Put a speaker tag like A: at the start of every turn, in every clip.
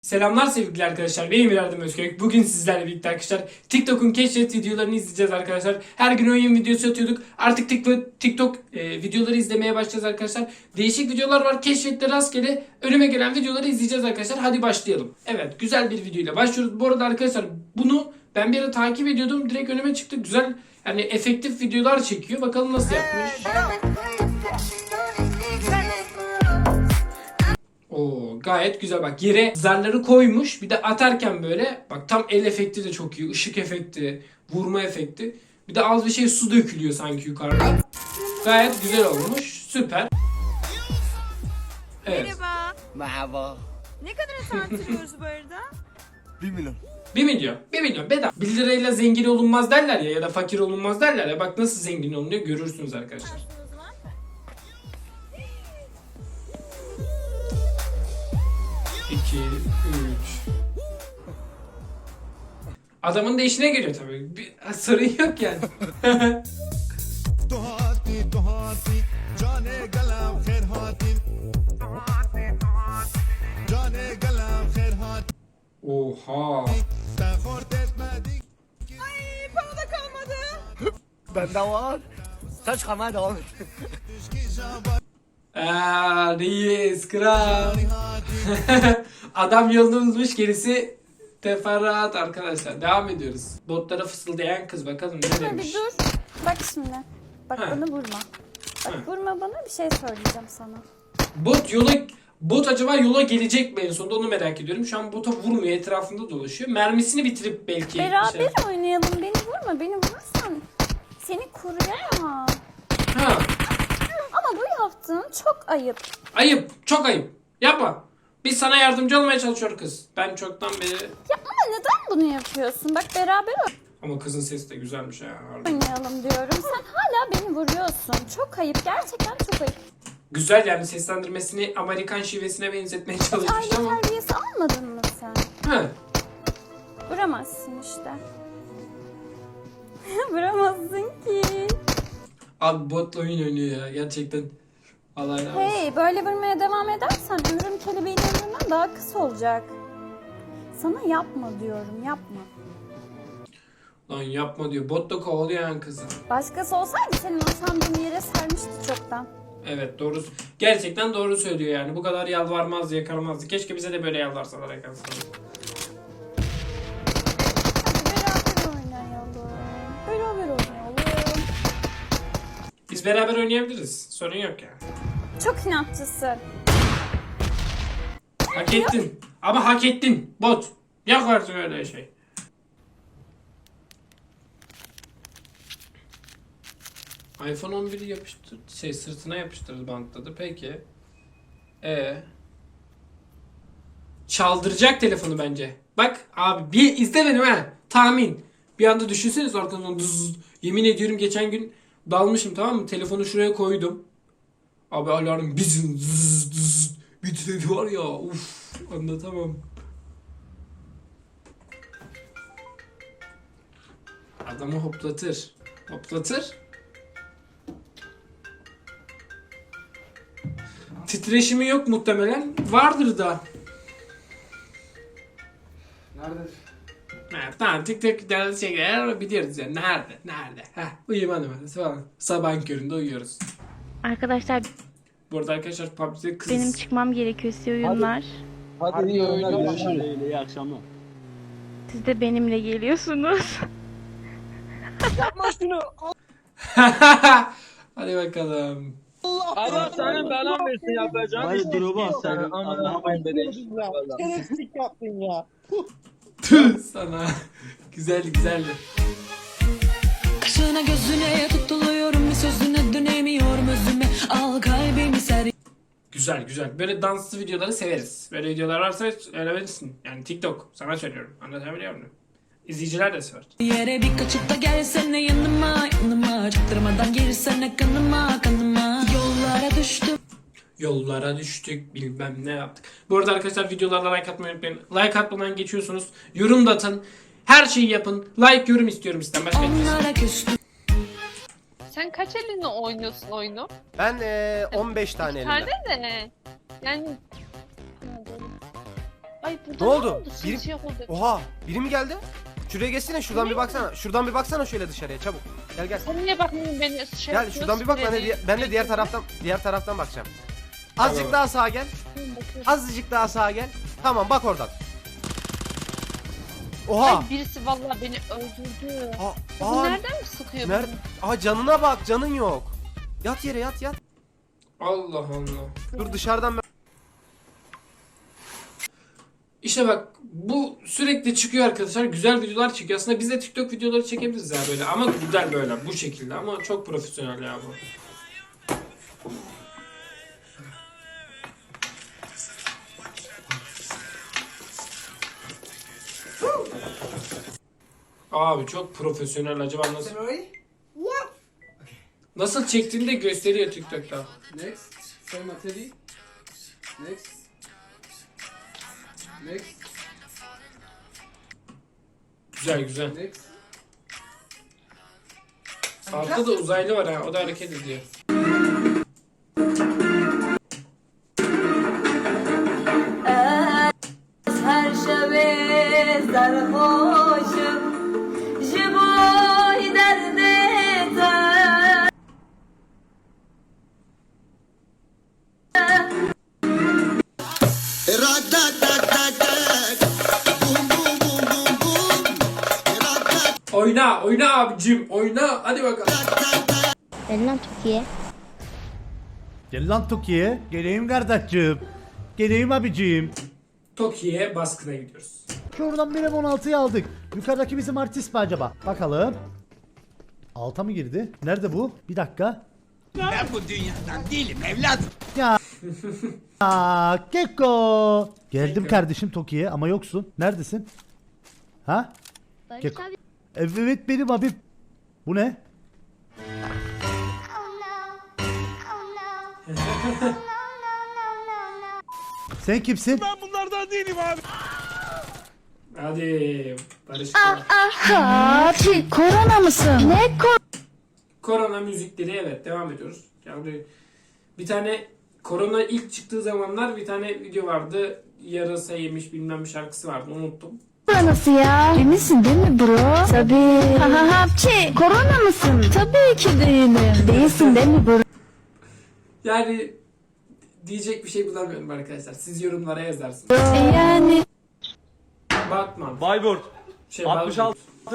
A: Selamlar sevgili arkadaşlar. Benim İrem Özkök. Bugün sizlerle birlikte arkadaşlar TikTok'un keşfet videolarını izleyeceğiz arkadaşlar. Her gün oyun videosu atıyorduk. Artık TikTok videoları izlemeye başlayacağız arkadaşlar. Değişik videolar var. Keşfette rastgele önüme gelen videoları izleyeceğiz arkadaşlar. Hadi başlayalım. Evet, güzel bir videoyla başlıyoruz. Bu arada arkadaşlar bunu ben bir ara takip ediyordum. Direkt önüme çıktı. Güzel, yani efektif videolar çekiyor. Bakalım nasıl yapmış. Oo, gayet güzel, bak yere zarları koymuş, bir de atarken böyle bak, tam el efekti de çok iyi, ışık efekti, vurma efekti, bir de az bir şey su dökülüyor sanki yukarıda. Gayet güzel olmuş, süper. Evet.
B: Merhaba.
C: Merhaba.
B: Ne kadar tartışıyoruz bu arada?
C: 1 milyon.
A: 1 milyon. 1 milyon bedava. 1 lirayla zengin olunmaz derler ya, ya da fakir olunmaz derler ya. Bak nasıl zengin olunuyor görürsünüz arkadaşlar.
B: O zaman
A: 2, 3. Adamın da işine geliyor tabii. Bir sorun yok yani.
D: तुहाती तुहाती जाने गलाम खैर हाती जाने गलाम खैर हाती
A: Oha.
D: تاخرت etmedi
B: Ay, para da kalmadı.
C: Bende var. Sen çıkarmaya devam et.
A: Reis kral. Adam yolunu bulmuş, gerisi teferruat arkadaşlar. Devam ediyoruz. Botlara fısıldayan kız, bakalım ne
E: Dur
A: demiş.
E: bir dur. Bak şimdi. Bak
A: Ha.
E: bana vurma. Bak
A: Ha.
E: vurma bana, bir şey söyleyeceğim sana.
A: Bot acaba yola gelecek mi en sonunda, onu merak ediyorum. Şu an bota vurmuyor, etrafında dolaşıyor. Mermisini bitirip belki
E: Beraber oynayalım. Beni vurma. Beni vurursan seni koruyamam.
A: Ha,
E: Ama bu yaptığın çok ayıp.
A: ayıp, çok ayıp. Yapma. Biz sana yardımcı olmaya çalışıyor kız. Ben çoktan beri...
E: Ya ama neden bunu yapıyorsun? Bak beraber
A: Ama kızın sesi de güzelmiş ha.
E: oynayalım diyorum. Sen hala beni vuruyorsun. Çok ayıp. Gerçekten çok ayıp.
A: Güzel, yani seslendirmesini Amerikan şivesine benzetmeye çalışmış
E: Aile
A: ama...
E: terbiyesi almadın mı sen?
A: Ha.
E: Vuramazsın işte. Vuramazsın ki.
A: Abi botla oyun oynuyor ya gerçekten. Allah razı olsun.
E: Hey, böyle vurmaya devam edersen ömrüm kelebeğin ömründen daha kısa olacak. Sana yapma diyorum, yapma.
A: Lan yapma diyor. Bot da kovalıyor yani kızı.
E: Başkası olsaydı senin o sandığın yere sermişti çoktan.
A: Evet, doğru. Gerçekten doğru söylüyor yani. Bu kadar yalvarmazdı, yakarmazdı. Keşke bize de böyle yalvarsalar, yakarsalar.
E: Hadi beraber oynayalım. Beraber oynayalım.
A: Biz beraber oynayabiliriz. Sorun yok ya.
E: Çok inatçısın.
A: Hak ettin. Ama hak ettin. Bot. Yok artık öyle şey. iPhone 11'i yapıştır, sırtına yapıştırdı, bantladı. Peki. Çaldıracak telefonu bence. Bak abi, bir izle benim ha. Tahmin. Bir anda düşünseniz arkadan dız. Yemin ediyorum geçen gün dalmışım, tamam mı? Telefonu şuraya koydum. Abi alarm bizim zzz zzz bir titredi var ya, uf, anlatamam. Adamı hoplatır. Hoplatır. Titreşimi yok muhtemelen. Vardır da.
C: Nerede?
A: Ha, tamam, TikTok şeyler biliyoruz yani. Nerede? Uyuma numarası falan. Sabahın köründe uyuyoruz.
F: Arkadaşlar
A: Bu arada arkadaşlar PUBG'de kız...
F: benim çıkmam gerekiyor, size oyunlar.
C: Hadi iyi oyunlar. Görüşürüz.
G: İyi akşamlar.
F: Siz de benimle geliyorsunuz.
A: Hadi bakalım.
G: Allah senin belan versin yapacağım. Hayır durma sen. Allah'a emanet
C: Şerefsizlik yaptın ya.
A: Tüh sana. Güzeldi.
H: Kaşına gözüne tutuluyorum, bir sözüne dönemiyorum özüme, al kalbimi ser.
A: Güzel. Böyle danslı videoları severiz. Böyle videolar varsa öğrenirsin. Yani TikTok. Sana söylüyorum. Anlatabiliyor muyum? İzleyiciler de sever.
H: Yere bir kaçıp da gelsene yanıma çaktırmadan girsene kanıma
A: Yollara düştük, bilmem ne yaptık. Bu arada arkadaşlar videolarla like atmayı unutmayın. Like atmadan geçiyorsunuz. Yorum da atın. Her şeyi yapın. Like, yorum istiyorum sizden. Başka hiçbir şey.
H: onlara küstüm.
I: Sen kaç elinle oynuyorsun oyunu?
J: Ben 15 tane elimle.
I: Tane de. Yani... Ay Ay burada
C: Ne oldu?
I: Bir
C: Biri...
I: şey oldu.
C: Oha, biri mi geldi? Şuraya geçsene, şuradan bir baksana. Şuradan bir baksana şöyle dışarıya çabuk. Gel gel.
I: Sen niye bakmıyorsun beni şey
C: Gel şuradan bir bak, ben de diğer taraftan bakacağım. Azıcık daha sağa gel. Azıcık daha sağa gel. Tamam bak oradan. Oha.
I: Ay birisi vallahi beni öldürdü. Bu
C: Aa,
I: nereden mi sıkıyor
C: nerede?
I: beni?
C: Aa canına bak, canın yok. Yat yere, yat yat.
A: Allah Allah.
C: Dur dışarıdan ben...
A: İşte bak bu sürekli çıkıyor arkadaşlar. Güzel videolar çıkıyor. Aslında biz de TikTok videoları çekebiliriz ya böyle. Ama güzel böyle bu şekilde. Ama çok profesyonel ya bu. Abi çok profesyonel. Acaba nasıl? Nasıl çektiğini de gösteriyor TikTok'ta.
J: Next. Say Materi. Next. Next.
A: Güzel güzel.
J: Next.
A: Altta da uzaylı var ha. O da hareket ediyor.
E: Her şebe sarhoşum, jiboy derde
A: Oyna, oyna abicim, oyna. Hadi bakalım.
F: Lan Türkiye.
K: Gel lan Toki'ye. Geleyim kardeşim. Geleyim abicim.
A: Tokyo'ya baskına gidiyoruz.
K: Oradan bir M16'yı aldık. Yukarıdaki bizim artist mi acaba? Bakalım. Alta mı girdi? Nerede bu? Bir dakika.
D: Ben bu dünyadan değilim evladım.
K: Ya. Aa, Keko. Geldim kardeşim Toki'ye ama yoksun. Neredesin? Ha? Keko. Evet benim abim. Bu ne? Sen kimsin?
D: Ben bunlardan değilim abi.
A: Hadi Barış.
E: Abi korona mısın? Ne
A: Korona müzikleri evet devam ediyoruz. Yani bir tane korona ilk çıktığı zamanlar bir tane video vardı. Yarasa yemiş bilmem bir şarkısı vardı unuttum.
E: koronası ya? Eminsin değil mi bro? Tabii. Hapçi korona mısın? Tabii ki değilim. Değilsin değil mi bro?
A: Yani diyecek bir şey bulamıyorum arkadaşlar. Siz yorumlara yazarsınız.
E: Yani.
A: Batman.
G: Bayburt.
A: Şey,
G: 66.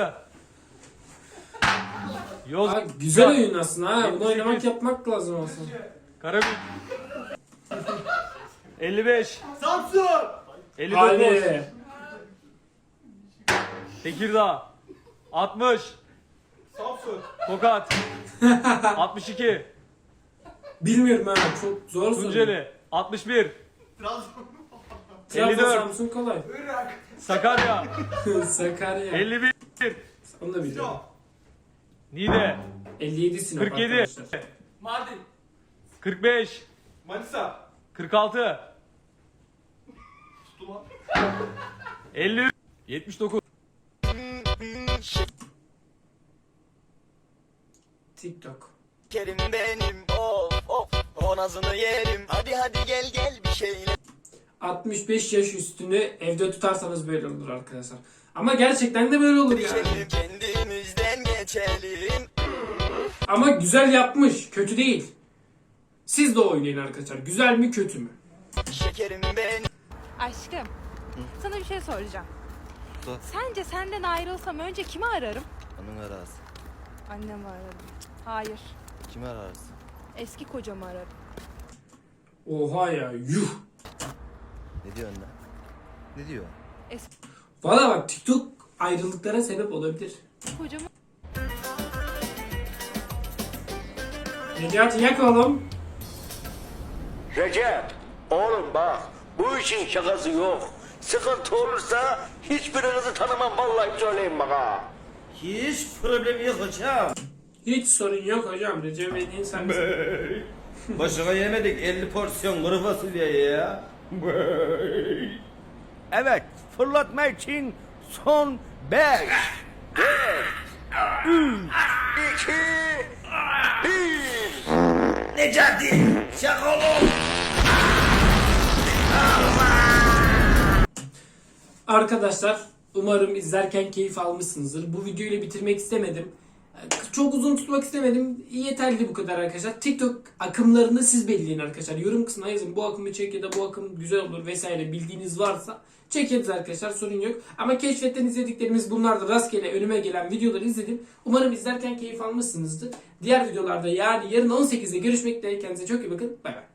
G: Yoz.
A: Aa, güzel oyun aslında ha. Bunu oynamak yapmak lazım aslında.
G: Karabük. 55.
C: Samsun!
G: 59.
A: Hadi.
G: Tekirdağ. 60.
C: Samsun!
G: Tokat. 62.
A: Bilmiyorum ha. Çok zor soru.
G: Tunceli. 61.
A: Trabzon,
G: 54.
A: Samsun kolay.
G: Sakarya.
A: Sakarya.
G: 51.
A: Onu da biliyorum.
G: Niğde.
A: 57 Sinop
G: 47.
A: arkadaşlar.
C: Mardin!
G: 45.
C: Manisa!
G: 46. 53. 79.
A: TikTok.
C: Kerim benim of of onazını yerim. Hadi hadi gel gel bir şeyle.
A: 65 yaş üstünü evde tutarsanız böyle olur arkadaşlar. Ama gerçekten de böyle olur yani.
C: Kendimizden geçelim.
A: Ama güzel yapmış. Kötü değil. Siz de oynayın arkadaşlar. Güzel mi kötü mü?
C: Şekerim benim.
B: Aşkım. Sana bir şey soracağım.
C: Sor.
B: Sence senden ayrılsam önce kimi ararım?
C: Onun arası.
B: Annemi ararım. Hayır.
C: Kimi ararsın?
B: Eski kocamı ararım.
A: Oha ya yuh.
C: Ne diyorsun lan? Ne diyor?
A: Valla bak TikTok ayrılıklara sebep olabilir.
B: Kocamı
A: Necati yak oğlum.
L: Recep, oğlum bak, bu işin şakası yok. Sıkıntı olursa hiçbirinizi tanımam vallahi söyleyeyim bak ha.
C: Hiç problem yok hocam.
A: Hiç sorun yok hocam. Recep Bey'in sen misin?
C: Başına yemedik 50 porsiyon kuru fasulye ya. Evet, fırlatma için son 5, 4, 3,
L: 2, 1.
C: Necati, şaka oğlum.
A: Arkadaşlar umarım izlerken keyif almışsınızdır. Bu videoyu ile bitirmek istemedim. Çok uzun tutmak istemedim. Yeterli bu kadar arkadaşlar. TikTok akımlarını siz belirleyin arkadaşlar. Yorum kısmına yazın. Bu akımı çek ya da bu akım güzel olur vesaire bildiğiniz varsa çekeriz arkadaşlar. Sorun yok. Ama keşfetten izlediklerimiz bunlardı. Rastgele önüme gelen videoları izledim. Umarım izlerken keyif almışsınızdır. Diğer videolarda yani yarın 18'de görüşmek dileğiyle. Kendinize çok iyi bakın. Bay bay.